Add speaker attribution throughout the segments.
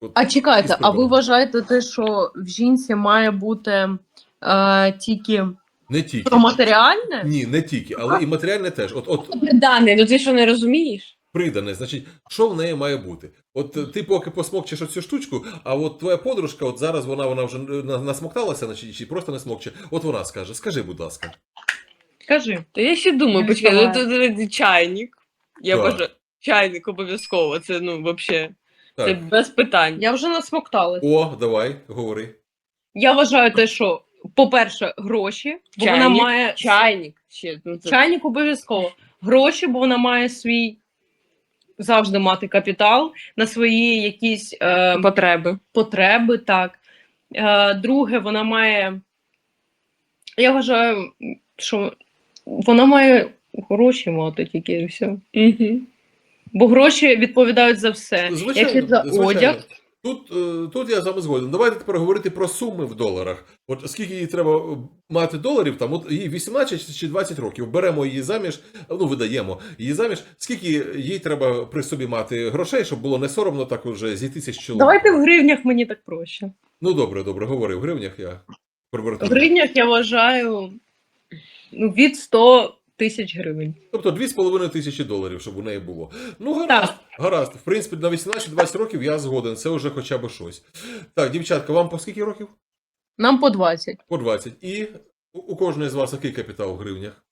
Speaker 1: От,
Speaker 2: А чекайте,
Speaker 1: із
Speaker 2: а ви
Speaker 1: прибором.
Speaker 2: вважаєте те, що в жінці має бути тільки
Speaker 1: Не тільки.
Speaker 2: про матеріальне?
Speaker 1: Ні, не тільки, але і матеріальне теж. От
Speaker 3: Придане, ну ти що не розумієш?
Speaker 1: придане, значить, що в неї має бути? От ти поки посмокчеш оцю штучку, а от твоя подружка, от зараз вона вже насмокталася, значить, чи просто не смокче, от вона скаже. Скажи, будь ласка.
Speaker 2: Кажи.
Speaker 3: Та я ще думаю,
Speaker 2: Не
Speaker 3: почекай,
Speaker 2: відчуваю.
Speaker 3: ну, чайник. Я
Speaker 1: Так.
Speaker 3: бажаю, чайник обов'язково, це ну взагалі, це
Speaker 1: Так.
Speaker 3: без питань.
Speaker 2: Я вже насмокталась.
Speaker 1: О, давай, говори.
Speaker 2: Я вважаю те, що, по-перше, гроші, бо вона
Speaker 3: Чайник,
Speaker 2: має
Speaker 3: чайник ще. Ну, це...
Speaker 2: чайник обов'язково. Гроші, бо вона має свій завжди мати капітал на свої якісь потреби, так. Друге, вона має. Я вважаю, що вона має гроші мати тільки і все.
Speaker 3: Угу.
Speaker 2: Бо гроші відповідають за все.
Speaker 1: Звичайно,
Speaker 2: Як і за
Speaker 1: звичайно.
Speaker 2: одяг.
Speaker 1: Тут я з вами згоден. Давайте тепер говорити про суми в доларах. От скільки їй треба мати доларів, там, от їй 18 чи 20 років. Беремо її заміж, ну, видаємо її заміж. Скільки їй треба при собі мати грошей, щоб було не соромно так уже зійтися з чоловіком?
Speaker 2: Давайте в гривнях, мені так проще.
Speaker 1: Ну, добре, говори. В гривнях я приберу.
Speaker 2: В гривнях я вважаю від 100 тисяч гривень.
Speaker 1: Тобто 2,5 тисячі доларів, щоб у неї було. Ну, гаразд.
Speaker 2: Так.
Speaker 1: Гаразд. В принципі, на 18-20 років я згоден. Це вже хоча б щось. Так, дівчатка, вам по скільки років?
Speaker 2: Нам по 20.
Speaker 1: По 20. І у кожної з вас який капітал в гривнях?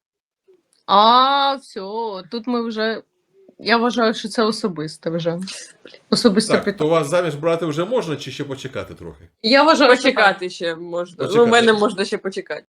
Speaker 2: Все, тут ми вже. Я вважаю, що це особисте вже. Особисте
Speaker 1: Так,
Speaker 2: питання.
Speaker 1: то вас заміж брати вже можна, чи ще почекати трохи?
Speaker 2: Я вважаю, що так.
Speaker 3: Почекати ще можна.
Speaker 1: Почекати.
Speaker 3: Ну, у мене можна ще почекати.